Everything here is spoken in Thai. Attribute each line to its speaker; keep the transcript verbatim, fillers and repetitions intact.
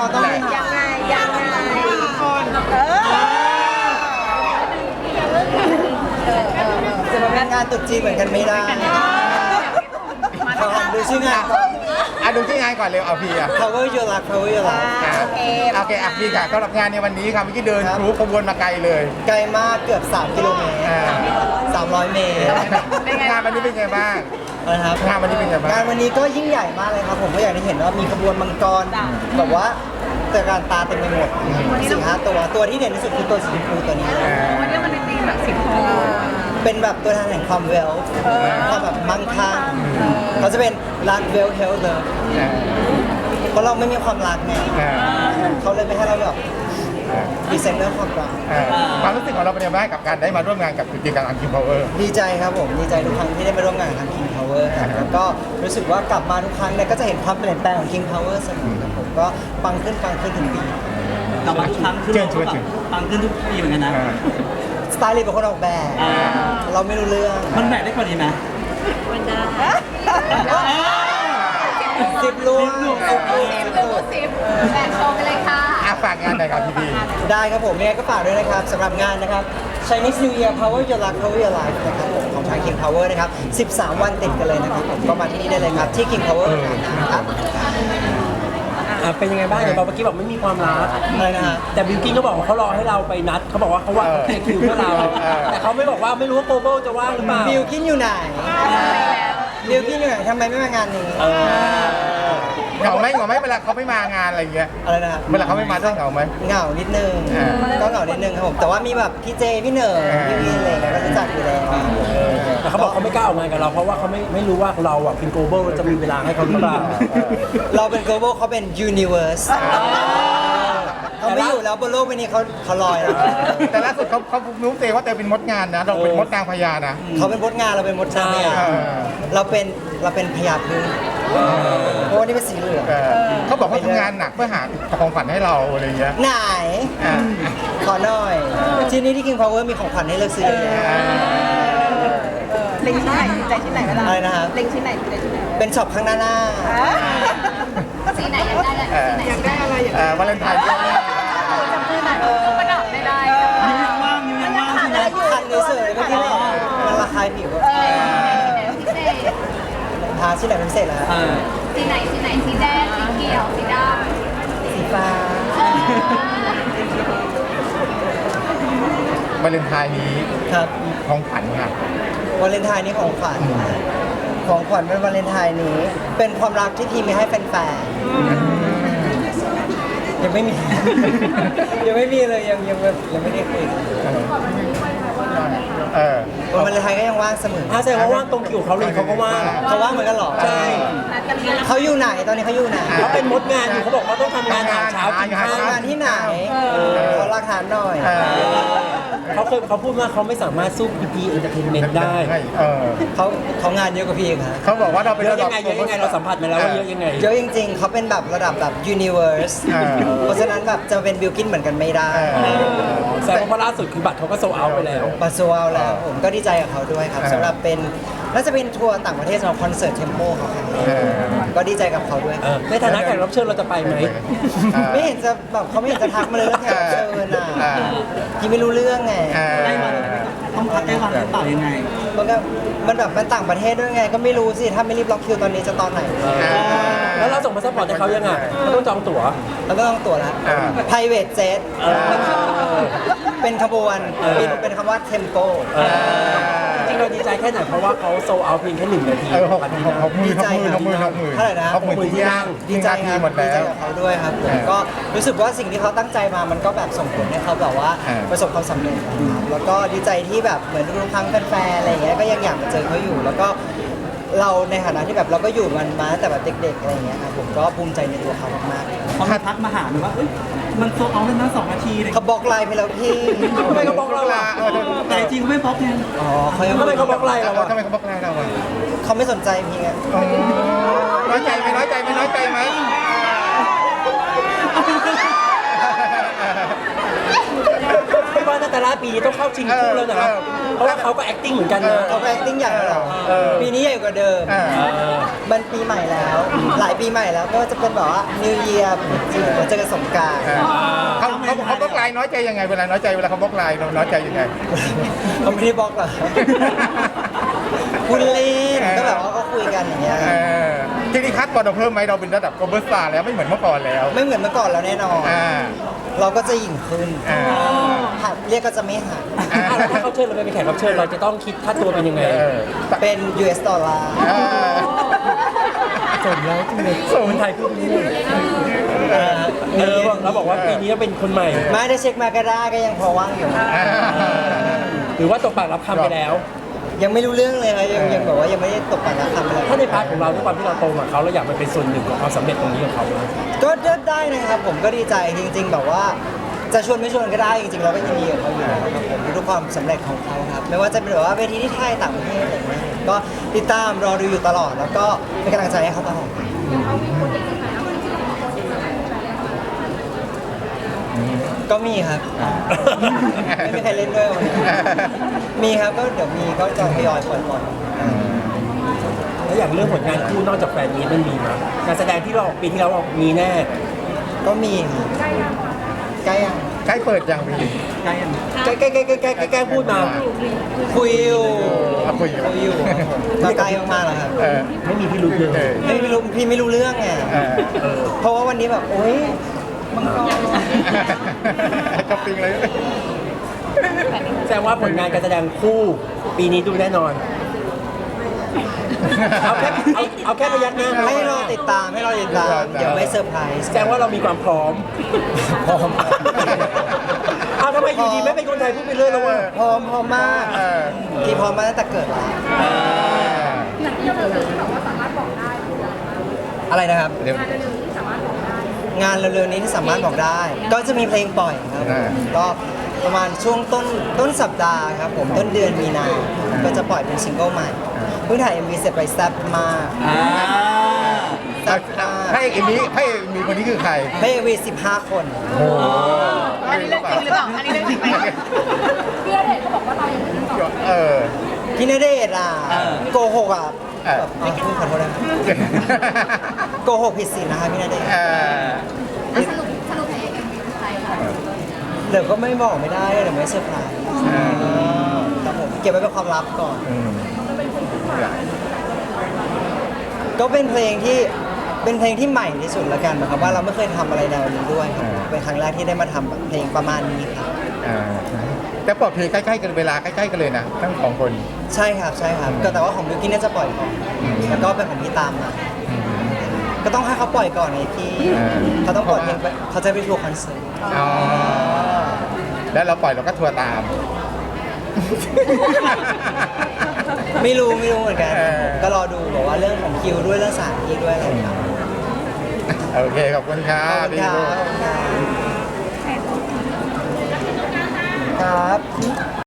Speaker 1: ต้อง
Speaker 2: ยังไงยังไงเออ
Speaker 1: จะมาเป็นงานตุ๊จีนเหมือนกันไม่ได้ขอดูชื่องานก่อน
Speaker 3: อ่ะดูที่งานก่อนเร็วเอาพี่อ่ะ
Speaker 1: Power Your Life Power Your Life
Speaker 2: โอเค
Speaker 3: โอเคอ่ะพี่ค่ะสำหรับงานในวันนี้ครับเมื่อกี้เดิน
Speaker 1: ครับ
Speaker 3: ทะลุขบวนมาไกลเลย
Speaker 1: ไกลมากเกือบสามกิโลเมตร
Speaker 3: อ่า
Speaker 1: สามร้อยเมตร
Speaker 3: งานวันนี้เป็นไงบ้าง
Speaker 1: นะครับ
Speaker 3: งานวันนี้เป็นไงบ้าง
Speaker 1: งานวันนี้ก็ยิ่งใหญ่มากเลยครับผมก็อย่างที่เห็นว่ามีขบวนมังกรแบบว่าตระการตาเต็มไปหมดสี่ห้าตัวตัวที่เด่นที่สุดคือตัวสีชมพูตัวนี้
Speaker 2: วันนี้มันเป็นธีมแบบสีทอง
Speaker 1: เป็นแบบตัวแทนแห่งความเวลความแบบมั่งคั่งเขาจะเป็นรักเวลเฮลเลย
Speaker 3: อ่า
Speaker 1: เพราะเราไม่มีความรักไง
Speaker 3: อ่า
Speaker 1: เขาเลยไม่ให้เราแบบดีไซเนอร์ความรัก
Speaker 3: อ่าความรู้สึกของเราเป็นยังไงบ้างกับการได้มาร่วมงานกับกิจกรรมอังคิมพาวเวอร์
Speaker 1: ดีใจครับผมดีใจทุกครั้งที่ได้มาร่วมงานกับทาง King Power ครับแล้วก็รู้สึกว่ากลับมาทุกครั้งเนี่ยก็จะเห็นความเปลี่ยนแปลงของ King Power เสมอครับผมก็ปังขึ้นปังขึ้นถึงปี
Speaker 4: กลับมาทุกครั้งขึ้น
Speaker 3: เชิญ
Speaker 4: เรา
Speaker 3: เชิ
Speaker 4: ก็
Speaker 3: ญ
Speaker 4: แบ
Speaker 3: เชิ
Speaker 4: บ
Speaker 3: ญ
Speaker 4: ปังขึ้นทุกปีเหมือนกันนะ
Speaker 3: อ่า
Speaker 1: สไตล์เป็นคนออกแบบ
Speaker 4: อ่า
Speaker 1: เราไม่รู้เรื่อง
Speaker 4: มันแบกได้กว่านี้ไหม
Speaker 2: มันได้
Speaker 1: สิบลูก
Speaker 4: สิบลูก
Speaker 1: สิบลูกสิบลูก
Speaker 2: สิบแบ่งโชว์ไปเลยค่ะ
Speaker 3: อ่ะฝากงานหน่อยครับพี่พี่
Speaker 1: ได้ครับผมยังไงก็ฝากด้วยนะครับสำหรับงานนะครับ Chinese New Year Power Your Life Power Your Life นะครับผมของทาง King Power นะครับสิบสามวันติดกันเลยนะครับผมก็มาที่นี่ได้เลยครับที่ King Power นะครับ
Speaker 5: อ่ะเป็นยังไงบ้างเดี๋ยวบอกเมื่อกี้บอกไม่มีความรัก
Speaker 1: อะไรนะฮะ
Speaker 5: แต่บิวกิ้นก็บอกว่าเขารอให้เราไปนัดเขาบอกว่าเขาว่าเขาเคลียร์คิวเพื่อเรา แต่เขาไม่บอกว่าไม่รู้ว่าโกโบจะว่างหรือเปล่า
Speaker 1: บิวกินอยู่ไหนบิวกินอยู่ไหนทำไมไม่มางานนี้
Speaker 3: เหงาไหมเหงาไหมเวลาเขาไม่มางานอะไรอย่างเงี้ย
Speaker 1: อะไรนะครับ
Speaker 3: เวลาเขาไม่มาต้องเหงาไหม
Speaker 1: เหงานิดนึง
Speaker 3: อ่า
Speaker 1: ก็เหงานิดนึงครับผมแต่ว่ามีแบบพี่เจพี่เหนิร์
Speaker 3: อ่า
Speaker 1: พี่วินอะไรอย่างเงี้ยก็รู้จักอยู่แล้ว
Speaker 5: แต่เขาบอกเขาไม่กล้าออกงานกับเราเพราะว่าเขาไม่ไม่รู้ว่าเราอ่ะเป็นโกโบจะมีเวลาให้เขาหรือเปล่า
Speaker 1: เราเป็น global เขาเป็น universe เขาไม่อยู่แล้วบนโลกใบนี้เขาเขาลอยแล้ว
Speaker 3: แต่ล่าสุดเขาเขารู้เตว่าเตเป็นมดงานนะเราเป็นมดนางพญานะ
Speaker 1: เขาเป็นมดงานเราเป็นมดช้าง
Speaker 5: ใช่
Speaker 1: เนี่ยเราเป็นเราเป็นพญาพึ่งเพราะว่านี่เป็นสีเหลือง
Speaker 3: เออเขาบอกเขาทำงานหนักเพื่อหาของฝันให้เราอะไรอย่างเงี้ย
Speaker 1: ไหน
Speaker 3: อ่า
Speaker 1: ขอหน่อย ที่นี่ที่ King Power มีของขวัญให้เลือกซื้อเยอะแยะ
Speaker 2: เล็งชิ้นไหนใจชิ้นไหนเวลา
Speaker 1: อะไรนะครับ
Speaker 2: เล็งชิ้นไหนใจชิ้นไหน
Speaker 1: เป็นช็อปข้างหน้าหน้า
Speaker 2: สีไหนอยากได้
Speaker 3: เออ
Speaker 2: อยากได้อะไรอยาก
Speaker 3: เอ่อวาเลนไทน์ด้วย
Speaker 2: จับมือหน่อยประดับได้ได้
Speaker 4: นิ้วยังว่างนิ้วยังว่างใช่ไหม
Speaker 1: คันนี้เฉยเมื่อกี้บอกมันระคายผิว
Speaker 2: พิเศษ
Speaker 1: ทาที่ไหนเป็นพิเศษแล้ว
Speaker 5: อ่า
Speaker 2: สีไหนสีไหนสีแดงสีเขียวสีด
Speaker 1: สีฟ้า
Speaker 3: วาเลนไทน์นี้
Speaker 1: ครับ
Speaker 3: ของขวัญค่ะ
Speaker 1: วาเลนไทน์นี้ของขวัญของขวัญเป็นวาเลนไทน์นี้ เป็นความรักที่ทีมมีให้แฟนๆยังไม่มี ยังไม่มีเลยยังยังแบบยังไม่ได้คุย
Speaker 3: เออ
Speaker 1: วันวาเลนไทน์ก็ยังว่างเสมอ
Speaker 5: ถ้าแสดงว่าว่างตรงคิวเขาเลยเขาก็ว่าง
Speaker 1: เขาว่างเหมือนกันเหรอ
Speaker 5: ใช่
Speaker 1: เขาอยู่ไหนตอนนี้เขาอยู่ไหน
Speaker 5: เขาเป็นมดงานอยู่เขาบอกว่าต้องทำงานหาเช้ากินข้าว
Speaker 1: ทำงานที่ไหนขอหลักฐานหน่อย
Speaker 3: เออ
Speaker 5: เขาเคยเขาพูดว่าเขาไม่สามารถสู้พีพีเอนเตอร์เทนเมนต์ได้
Speaker 3: เออ
Speaker 1: เขาเขางานเยอะกว่าพี่เองครับ
Speaker 3: เขาบอกว่าเราเป็น
Speaker 5: เยอะ
Speaker 3: ระดั
Speaker 5: ยั
Speaker 3: บ
Speaker 5: งไงเยอะยังไงเราสัมผัสมาแล้วว่าเยอะยังไง
Speaker 1: เยอะจริง ๆ เขาเป็นแบบระดับแบบ universe
Speaker 3: อ่า
Speaker 1: เพราะฉะนั้นแบบจะเป็นบิลกินเหมือนกันไม่ได้
Speaker 3: เออ
Speaker 5: แสดงว่าล่าสุดคือบัตรเขาก็โซเอาไปแล้ว
Speaker 1: มาโซเอาแล้วผมก็ดีใจกับเขาด้วยครับ
Speaker 3: อ่า
Speaker 1: สำหรับเป็นน่าจะเป็นทัวร์ต่างประเทศสำหรับคอนเสิร์ตเทมโปเขาครับ
Speaker 3: เออ
Speaker 1: ก็ดีใจกับเขาด้วย
Speaker 5: เออในฐานะแขกรับเชิญเราจะไปไหม
Speaker 1: ไม่เห็นจะแบบเขาไม่เห็นจะทักมาเลยเรื่องแขกรับเชิญอ่ะ
Speaker 3: อ่า
Speaker 1: พี่ไม่รู้เรื่องไง
Speaker 3: เออ
Speaker 4: ได้วันต้องพักได้วันหรือเปล่ายังไง
Speaker 1: มันก็มันแบบมันต่างประเทศด้วยไง ก็ไม่รู้สิถ้าไม่รีบล็อกคิวตอนนี้จะตอนไหน
Speaker 5: แล้วเราส่งพาสปอร์ตให้เขายังไงเขาต้องจองตั๋ว
Speaker 1: แล้วก็ต้องตั๋วแล้ว
Speaker 3: อ่า
Speaker 1: private jet เป็นขบวนเป็นเป็นคำว่า tempo
Speaker 5: จริงเราดีใจแค่ไหนเพราะว่าเขาโซเอาเพียงแค่หนึ่งนาที
Speaker 3: เออหกหกหกหมื่นหกหมื่นหกหมื่นหกหมื่น
Speaker 1: เท่าไหร่นะ
Speaker 3: หกหมื่นที่นั่ง
Speaker 1: ดีใจ
Speaker 3: ที
Speaker 1: ครับ
Speaker 3: หมด
Speaker 1: ดี
Speaker 3: แล้
Speaker 1: ใจ
Speaker 3: ว
Speaker 1: กับเขาด้วยครับผม
Speaker 3: เออ
Speaker 1: ก็รู้สึกว่าสิ่งที่เขาตั้งใจมามันก็แบบส่งผลให้เขาแบบว่า
Speaker 3: เออ
Speaker 1: ประสบความสำเร็จนะครับแล้วก็ดีใจที่แบบเหมือนทุกครั้งแฟนๆอะไรอย่างเงี้ยก็ยังอยากมาเจอเขาอยู่ แล้วก็เราในฐานะที่แบบเราก็อยู่มันมาตั้งแต่แบบเด็กๆอะไรอย่างเงี้ยครับผมก็ภูมิใจในตัวเขามาก
Speaker 4: เขามาทักมาหาหนูว่าเอ้ยมันโซเอาเป็นนะสองนาทีเลย
Speaker 1: ๆเขาบล็อกไลน์ไปแล้วพี่
Speaker 5: ทำไมเขาบล็อกเราล่ะ
Speaker 3: เออ
Speaker 4: แต่จริงเขาไม่บล็อกไง
Speaker 1: อ๋อเขายัง
Speaker 5: ทำไมเขาบล็อกไลน์เรา
Speaker 3: เรา
Speaker 5: อะ
Speaker 3: ทำไมเขาบล็อกไลน์เราอ่ะ
Speaker 1: เขาไม่สนใจพี่ไง
Speaker 3: อ๋อน้อยใจไหมน้อยใจไหมน้อยใจไหม
Speaker 5: พี่บอลนาตาลาปีนี้ต้องเข้าชิงคู่แล้วนะ
Speaker 3: เออ
Speaker 5: เพราะว่าเขาก็ acting เหมือนกันนะ
Speaker 1: เขาก็ acting ใหญ่กว่าเรา
Speaker 3: เออ
Speaker 1: ปีนี้ใหญ่กว่าเดิม
Speaker 3: เออ
Speaker 1: มันปีใหม่แล้ว หลายปีใหม่แล้วก็จะเป็นแบบว่า New Year จริงๆเจอกันสงกรานต์
Speaker 3: เออเขาเขาเขาบล็อกไลน์น้อยใจยังไงเวลาน้อยใจเวลาเขาบล็อกไลน์เราน้อยใจยังไง
Speaker 1: เขาไม่ได้บล็อกหรอกคุณเล่นก็แบบว่าก็คุยกันอย่างเงี้ย
Speaker 3: เออทีนี้คัดบอลเราเพิ่มไหมเราเป็นระดับโกลบอลสตาร์แล้วไม่เหมือนเมื่อก่อนแล้ว
Speaker 1: ไม่เหมือนเมื่อก่อนแล้วแน่นอน
Speaker 3: อ่า
Speaker 1: เราก็จะหยิ่งขึ้น
Speaker 3: อ่า
Speaker 1: หัดเรียกก็จะไม่หัก
Speaker 5: อ่ะแล้วถ้าเขาเชิญเราไปเป็นแขกรับเชิญเราจะต้องคิดค่าตัวเป็นยังไง
Speaker 3: เออ
Speaker 1: เป็น ยู เอส ดอลลาร์
Speaker 3: เออ
Speaker 5: สมแล้วจริงเลย
Speaker 3: สม
Speaker 5: คนไทยพูดนี่เออเออเราบอกว่าปีนี้เป็นคนใหม่
Speaker 1: ไม่ได้เช็คมาก็ได้ก็ยังพอว่างอยู่
Speaker 3: อ่า
Speaker 5: หรือว่าตกปากรับคำไปแล้ว
Speaker 1: ยังไม่รู้เรื่องเลยครับยังยังแบบว่ายังไม่ได้ตกปากรับคำอะไร
Speaker 5: ถ้าในพาร์ทของเราด้วยความที่เราโตมาเขาเราอยากมาเป็นส่วนหนึ่งของความสำเร็จตรงนี้ของเขานะ
Speaker 1: ก็ได้นะครับผมก็ดีใจจริง ๆ แบบว่าจะชวนไม่ชวนก็ได้จริงๆเราก็ยินดีกับเขาอยู่แล้วครับผมทุกความสำเร็จของเขาครับไม่ว่าจะเป็นแบบว่าเวทีที่ไทยต่างประเทศอะไรอย่างเงี้ยก็ติดตามรอดูอยู่ตลอด แล้วก็เป็นกำลังใจให้เขาตลอดก็มีครับไม่มีใครเล่นด้วยวันนี้มีครับก็เดี๋ยวมีก็จะทยอยปล่อยๆ
Speaker 5: แล้วอย่างเรื่องผลงานคู่นอกจากแฟนนี้มันมีมั้ยการแสดงที่เราออกปีที่แล้วออกมีแน่
Speaker 1: ก็มีครับใกล้ยัง
Speaker 3: ใกล้เปิดยังพี่
Speaker 5: ใกล้ยังใกล้ใกล้ใกล้ใกล้ใกล้ใกล้พูดมา
Speaker 1: คุยอยู่
Speaker 3: อ่ะคุยอยู่
Speaker 1: คุยอยู่ครับผมก็ใกล้มากๆแล้วครับ
Speaker 3: เออ
Speaker 5: ไม่มีพี่รู้เลย
Speaker 3: เออ
Speaker 1: ไม่ไม่รู้พี่ไม่รู้เรื่องไง
Speaker 3: เออ
Speaker 5: เออ
Speaker 1: เพราะว่าวันนี้แบบโอ๊ยมังกร
Speaker 3: จับปิงเลย
Speaker 5: แสดงว่าผลงานการแสดงคู่ปีนี้ดูแน่นอน เอาแค่เอาเอาแค่ระยะหน้า
Speaker 1: ให้รอติดตามให้รอติดตาม เดี๋ยวไม่เซอร์ไพรส์
Speaker 5: แสดงว่าเรามีความพร้อม
Speaker 1: พร้อม
Speaker 5: เอาทำไมอยู่ดีไม่เป็นคนไทยพูดไปเรื่อยแล้ววะ
Speaker 1: พร้อมพร้อมมาก
Speaker 3: เออ
Speaker 1: ที่พร้อมมาตั้งแต่เกิดแล้วอะไรนะครับ
Speaker 3: เดี๋ยว
Speaker 1: งานเร็วๆนี้ที่สามารถบอกได้ ก็จะมีเพลงปล่อยครับ
Speaker 3: อ่า
Speaker 1: ก็ประมาณช่วงต้นต้นสัปดาห์ครับผมต้นเดือนมีนาก็จะปล่อยเป็นซิงเกิลใหม่เพิ่งถ่าย เอ็ม วี เสร็จไปแซ่บมากแซ่บมาก
Speaker 3: ให้เอ็มนี้ให้เอ็มนี้คนนี้คือใคร
Speaker 1: ให้ เอ็ม วี สิบห้าคน
Speaker 3: โอ้โห
Speaker 2: อันนี้เรื่องจริงหรือเปล่าอันนี้เรื่องจริงไหม
Speaker 3: เออ
Speaker 1: พี่ณเดชน์อ่ะโกหกอ่ะ
Speaker 3: เออ
Speaker 1: แบบอ๋อพูดขอโทษนะโกหกผิดศีลนะคะพี่ณเดชน์
Speaker 3: เออ
Speaker 1: เดี๋ยวก็ไม่บอกไม่ได้เดี๋ยวไม่เซอร์ไพรส์ครับผมเก็บไว้เป็นความลับก่อน
Speaker 3: อืม
Speaker 1: ก็เป็นเพลงที่เป็นเพลงที่ใหม่ที่สุดละกันนะครับว่าเราไม่เคยทำอะไรแนวนี้ด้วยครับเป็นครั้งแรกที่ได้มาทำแบบเพลงประมาณนี้ครับ
Speaker 3: อ่าแต่ปลอดเพลงใกล้ๆกันเวลาใกล้ๆกันเลยนะทั้งสองคน
Speaker 1: ใช่ครับใช่ครับก็แต่ว่าของบิวกิ้นน่าจะปล่อยก่อนแล้วก็เป็นของพี่ตามมาก็ต้องให้เขาปล่อยก่อนไงพี่
Speaker 3: อ่า
Speaker 1: เขาต้องปล่อยเพลงไปเขาจะไปทัวร์คอนเสิร์ต
Speaker 3: อ๋อแล้วเราปล่อยเราก็ทัวร์ตาม
Speaker 1: ไม่รู้ไม่รู้เหมือนกัน
Speaker 3: เออ
Speaker 1: ก็รอดูแบบว่าเรื่องของคิวด้วยเรื่องสถานที่ด้วยอะไรครับ
Speaker 3: โอเค ขอบคุณครั
Speaker 1: ขอ
Speaker 3: บบ
Speaker 1: คุณ
Speaker 3: พี่
Speaker 1: ครั
Speaker 3: ลูก
Speaker 1: บครับ